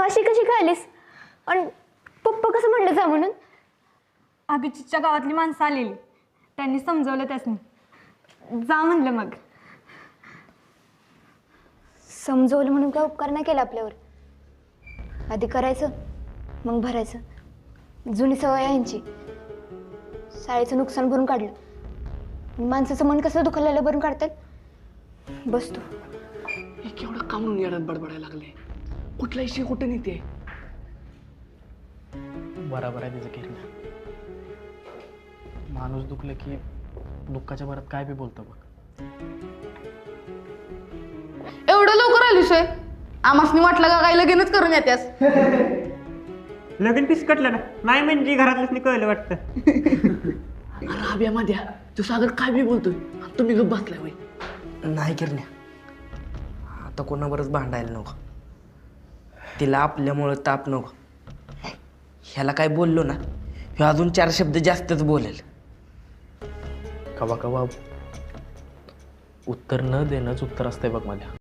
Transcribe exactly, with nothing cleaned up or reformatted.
अशी कशी खालीस आणि पप्पा कसं म्हणलं जा म्हणून? अभिजितच्या गावातली माणसं आलेली, त्यांनी समजवलं त्यासनी जा म्हणलं. मग समजवलं म्हणून काय उपकार नाही केला आपल्यावर. आधी करायचं मग भरायचं. जुनी सवय आहे यांची. शाळेचं नुकसान भरून काढलं, माणसाचं मन कसं दुखायला भरून काढतात. बस तू हे केवढं का म्हणून येड्यात बडबडायला लागले? कुठला इशे कुठे नेते? बरोबर आहे तिचं किरण. माणूस दुखलं की दुःखाच्या भरात काय बी बोलतो बघ. एवढं लवकर आलीस होय? आमासनी वाटलं का काय लगीनच करून येत्यास? लगीन पिसकटलं ना नाही म्हणजे घरातल्याच कळलं वाटतं. राब्या माद्या तो सागर काय बी बोलतोय, तुम्ही गप्प बसलाय वय. नाही किरण्या, आता कोणाबरच भांडायला नको. तिला आपल्यामुळं ताप नको. ह्याला काय बोललो ना, हे अजून चार शब्द जास्तच बोलेल. कवा कवा उत्तर न देणंच उत्तर असतंय बघ माझ्या.